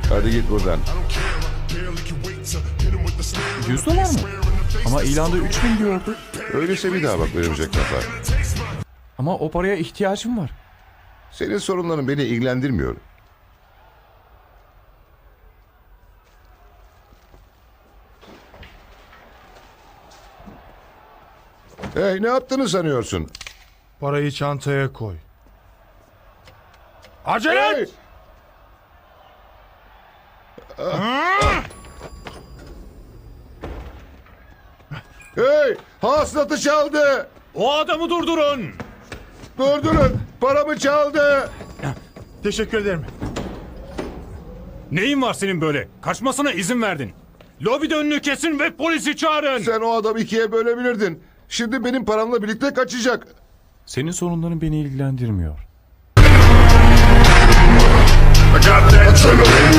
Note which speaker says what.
Speaker 1: Hadi git buradan.
Speaker 2: $100 mı? Ama ilanda 3000 diyordu.
Speaker 1: Öyleyse bir daha bak verecek kafa.
Speaker 2: Ama o paraya ihtiyacım var.
Speaker 1: Senin sorunların beni ilgilendirmiyor. Hey, ne yaptığını sanıyorsun?
Speaker 3: Parayı çantaya koy.
Speaker 2: Acele
Speaker 1: Hey!
Speaker 2: et!
Speaker 1: Hey! Hasılatı çaldı!
Speaker 2: O adamı durdurun!
Speaker 1: Durdurun! Paramı çaldı!
Speaker 3: Teşekkür ederim.
Speaker 2: Neyin var senin böyle? Kaçmasına izin verdin. Lobide önünü kesin ve polisi çağırın!
Speaker 1: Sen o adamı ikiye bölebilirdin. Şimdi benim paramla birlikte kaçacak.
Speaker 2: Senin sorunların beni ilgilendirmiyor.
Speaker 4: I got that adrenaline